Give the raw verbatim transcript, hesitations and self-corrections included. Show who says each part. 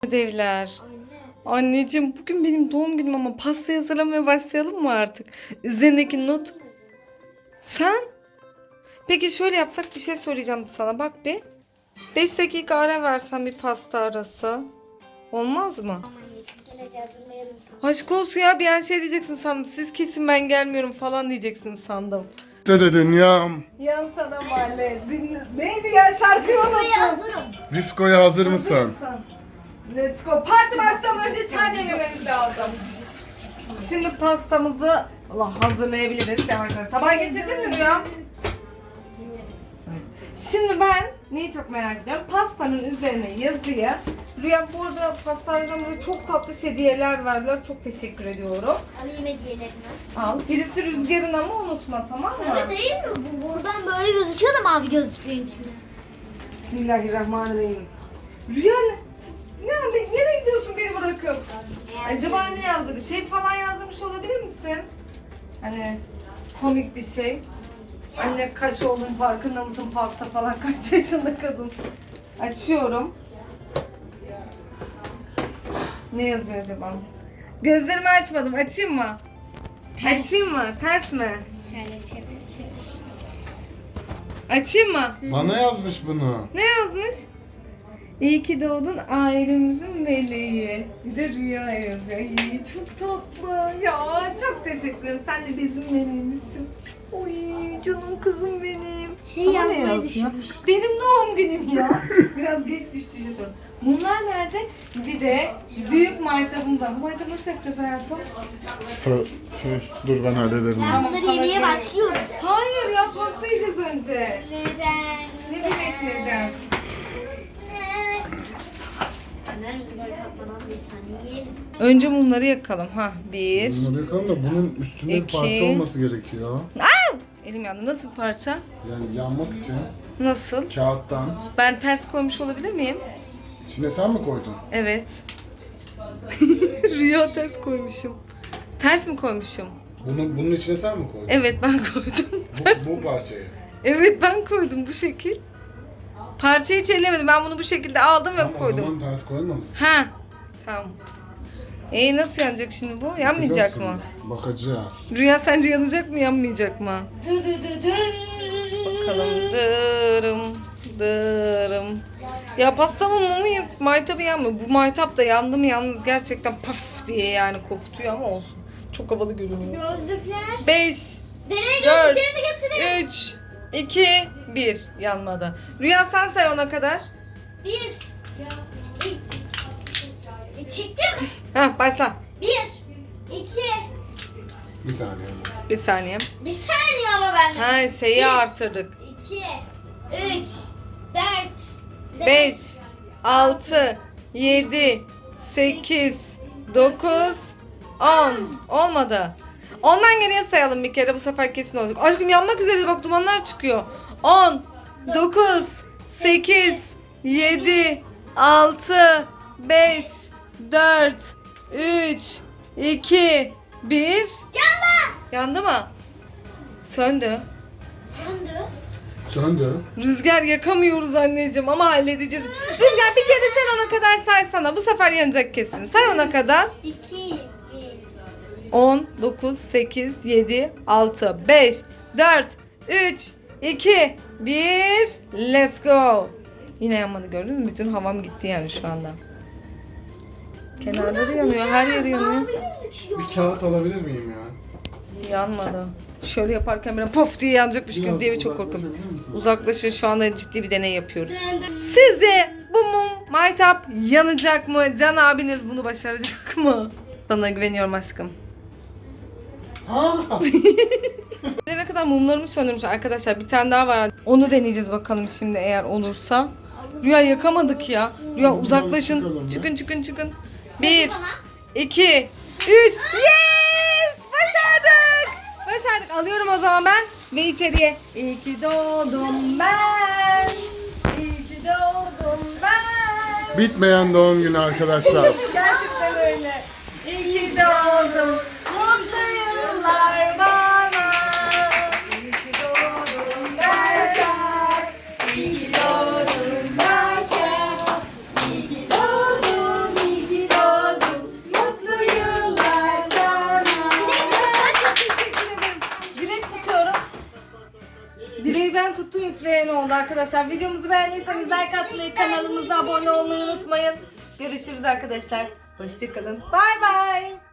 Speaker 1: Ödevler. Anneciğim bugün benim doğum günüm ama pasta hazırlamaya başlayalım mı artık? Üzerindeki not. Sen? Peki şöyle yapsak, bir şey söyleyeceğim sana, bak bir. beş dakika ara versen, bir pasta arası. Olmaz mı?
Speaker 2: Aman anneciğim gel hadi hazırlayalım.
Speaker 1: Aşk olsun ya, bir an şey diyeceksin sandım. Siz kesin ben gelmiyorum falan diyeceksin sandım.
Speaker 3: Dede dünyam.
Speaker 1: Yan sana mahalle. Dinle. Neydi ya, şarkıyı
Speaker 2: Buraya
Speaker 1: unuttum.
Speaker 2: hazırım.
Speaker 3: Diskoya hazır mısın?
Speaker 1: Let's go. Parti başlamadan önce çay demlememiz lazım. Şimdi pastamızı Allah hazırlayabiliriz yavaş yavaş. Tabağı getirdin mi Rüya? Şimdi ben neyi çok merak ediyorum? Pastanın üzerine yazıyı. Rüya bu arada pastaneden çok tatlı hediyeler verdiler. Çok teşekkür ediyorum.
Speaker 2: Alayım hediyelerini.
Speaker 1: Al. Birisi Rüzgar'ın ama unutma, tamam mı?
Speaker 2: Sarı değil mi? Bu buradan böyle gözüküyor da mavi gözüküyor içinde.
Speaker 1: Bismillahirrahmanirrahim. Rüya ne? Ne, nereye gidiyorsun beni bırakıp? Acaba ne yazdırdı? Şey falan yazdırmış olabilir misin? Hani komik bir şey. Anne kaç oğlum farkında mısın, pasta falan, kaç yaşında kadın. Açıyorum. Ne yazıyor acaba? Gözlerimi açmadım. Açayım mı?
Speaker 2: Ters.
Speaker 1: Açayım mı? Ters mi?
Speaker 2: Şöyle çevir çevir.
Speaker 1: Açayım mı?
Speaker 3: Bana yazmış bunu.
Speaker 1: Ne yazmış? İyi ki doğdun ailemizin meleği. Bir de Rüya yazıyor. İyi, çok tatlı. Ya çok teşekkür ederim. Sen de bizim meleğimizsin. Oy canım kızım benim.
Speaker 2: Şey
Speaker 1: Sana ne
Speaker 2: yazmayı
Speaker 1: yazıyor?
Speaker 2: düşünmüş.
Speaker 1: Benim doğum günüm ya. Biraz geç düştü jeton. Bunlar nerede? Bir de büyük maytabımda. Bu maytabı nasıl yapacağız hayatım?
Speaker 3: Sa- şey, dur ben hallederim.
Speaker 2: Ben bunları
Speaker 1: sana
Speaker 2: yemeye
Speaker 1: gerek-
Speaker 2: başlıyorum.
Speaker 1: Hayır ya, pasta yiyeceğiz önce.
Speaker 2: Neden?
Speaker 1: Ne demek neden?
Speaker 2: Hemen rüzgar kapmadan bir tane yiyelim.
Speaker 1: Önce mumları yakalım. Ha, bir.
Speaker 3: Bunları yakalım da bunun üstünde bir
Speaker 1: İki.
Speaker 3: parça olması gerekiyor.
Speaker 1: Elim yandı. Nasıl parça?
Speaker 3: Yani yanmak için
Speaker 1: Nasıl?
Speaker 3: kağıttan.
Speaker 1: Ben ters koymuş olabilir miyim?
Speaker 3: İçine sen mi koydun?
Speaker 1: Evet. Rüya ters koymuşum. Ters mi koymuşum?
Speaker 3: Bunu, bunun içine sen mi koydun?
Speaker 1: Evet, ben koydum.
Speaker 3: Bu, bu parçayı.
Speaker 1: Evet, ben koydum bu şekil. Parçayı hiç ellemedim. Ben bunu bu şekilde aldım ve
Speaker 3: Tamam, o
Speaker 1: koydum.
Speaker 3: zaman ters koymamışsın.
Speaker 1: Ha. Tamam. E nasıl yanacak şimdi bu? Yanmayacak
Speaker 3: Bakacağız
Speaker 1: mı?
Speaker 3: şimdi. Bakacağız.
Speaker 1: Rüya sence yanacak mı, yanmayacak mı?
Speaker 2: Dı dı dı dı.
Speaker 1: Bakalım. Dırım. Dırım. Ya pastamın mumu ya- maytabı yanmıyor. Bu maytap da yandı mı yalnız gerçekten paf diye yani kokutuyor ama olsun. Çok havalı görünüyor.
Speaker 2: Gözlükler.
Speaker 1: beş,
Speaker 2: Deney
Speaker 1: dört,
Speaker 2: gözlüklerini getirin.
Speaker 1: üç, iki, bir. Yanmadı. Rüya sen say ona kadar.
Speaker 2: Bir. E, çektim.
Speaker 1: Heh, başla.
Speaker 2: Bir. İki.
Speaker 3: Bir saniye.
Speaker 1: Bir saniye.
Speaker 2: Bir saniye ama ben.
Speaker 1: Ha, şeyi
Speaker 2: Bir.
Speaker 1: artırdık.
Speaker 2: İki. Üç. Dört.
Speaker 1: beş, altı, yedi, sekiz, dokuz, on. Olmadı. Ondan geriye sayalım bir kere, bu sefer kesin olacak. Aşkım yanmak üzere, bak dumanlar çıkıyor. on, dokuz, sekiz, yedi, altı, beş, dört, üç, iki, bir.
Speaker 2: Yandı.
Speaker 1: Yandı mı? Söndü.
Speaker 2: Söndü.
Speaker 3: Söndü.
Speaker 1: Rüzgar yakamıyoruz anneciğim ama halledeceğiz. Rüzgar bir kere sen ona kadar saysana. Bu sefer yanacak kesin. Say ona kadar.
Speaker 2: İki. Bir.
Speaker 1: on, dokuz, sekiz, yedi, altı, beş, dört, üç, iki, bir. Let's go. Yine yanmadı, gördünüz mü? Bütün havam gitti yani şu anda. Kenarları yanıyor. Her yeri yanıyor.
Speaker 2: Mavi gözüküyor.
Speaker 3: Bir kağıt alabilir miyim ya?
Speaker 1: Yanmadı. Şöyle yaparken böyle pof diye yanacakmış gibi
Speaker 3: Biraz
Speaker 1: diye çok korkuyorum.
Speaker 3: uzaklaşabilir misin?
Speaker 1: Uzaklaşın, şu anda ciddi bir deney yapıyoruz.
Speaker 2: Dön, dön.
Speaker 1: Sizce bu mum maytap yanacak mı? Can abiniz bunu başaracak mı? Sana güveniyorum aşkım.
Speaker 3: Ha!
Speaker 1: Ne kadar mumlarımı söndürmüş arkadaşlar. Bir tane daha var. Onu deneyeceğiz bakalım şimdi, eğer olursa. Rüya yakamadık ya. Rüya uzaklaşın.
Speaker 3: Çıkalım ya.
Speaker 1: Çıkın çıkın çıkın. Bir,
Speaker 2: Bana.
Speaker 1: iki, üç. Yes! Başardık. Başardık. Alıyorum o zaman ben. Ve içeriye. İyi ki doğdum ben. İyi ki doğdum ben.
Speaker 3: Bitmeyen doğum günü arkadaşlar.
Speaker 1: Gerçekten öyle. İyi ki doğdum. Mutlu yıllar bana. İyi ki doğdum Başak. İyi ki doğdum Başak. İyi ki doğdum Dileği ben tuttum, üfleyen oldu arkadaşlar. Videomuzu beğendiyseniz like atmayı, kanalımıza abone olmayı unutmayın. Görüşürüz arkadaşlar. Hoşçakalın. Bay bay.